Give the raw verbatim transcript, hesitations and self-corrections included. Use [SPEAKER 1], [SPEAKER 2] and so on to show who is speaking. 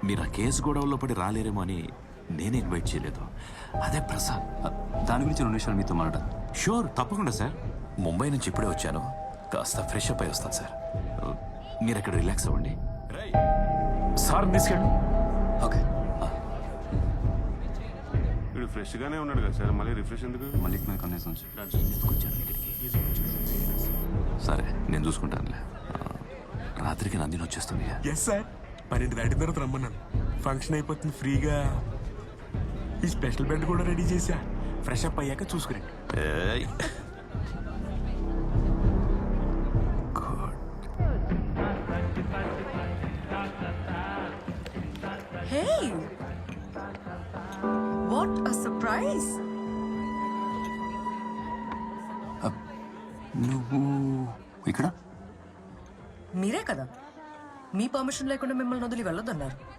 [SPEAKER 1] మీరు ఆ కేసు గొడవల్లో పడి రాలేరేమో అని నేను ఇన్వైట్ చేయలేదు. అదే ప్రసాద్.
[SPEAKER 2] దాని గురించి రెండు నిమిషాలు మీతో మాట్లాడాలి.
[SPEAKER 1] షూర్, తప్పకుండా సార్. ముంబై నుంచి ఇప్పుడే వచ్చాను, కాస్త ఫ్రెష్ అప్ అయి వస్తాను సార్. మీరు అక్కడ రిలాక్స్ అవ్వండి. సార్ తీసుకెళ్ళు.
[SPEAKER 2] ఓకే.
[SPEAKER 3] వీడు ఫ్రెష్ గానే ఉన్నాడు కదా సార్, మళ్ళీ రిఫ్రెష్ ఎందుకు?
[SPEAKER 2] మళ్ళీ మీద కన్నేసి ఉంచు.
[SPEAKER 1] సరే, నేను చూసుకుంటానులే. రాత్రికి నందిని వచ్చేస్తుంది.
[SPEAKER 4] ఎస్ సార్, పన్నెండు దాటిన తర్వాత రమ్మన్నాను. ఫంక్షన్ అయిపోతుంది ఫ్రీగా. ఈ స్పెషల్ బెడ్ కూడా రెడీ చేశా. ఫ్రెష్ అప్ అయ్యాక చూసుకురండి.
[SPEAKER 1] ఏయ్.
[SPEAKER 5] Hey! What a surprise!
[SPEAKER 2] నువ్వు ఇక్కడ?
[SPEAKER 5] మీరే కదా మీ పర్మిషన్ లేకుండా మిమ్మల్ని వదిలి వెళ్ళొద్దన్నారు.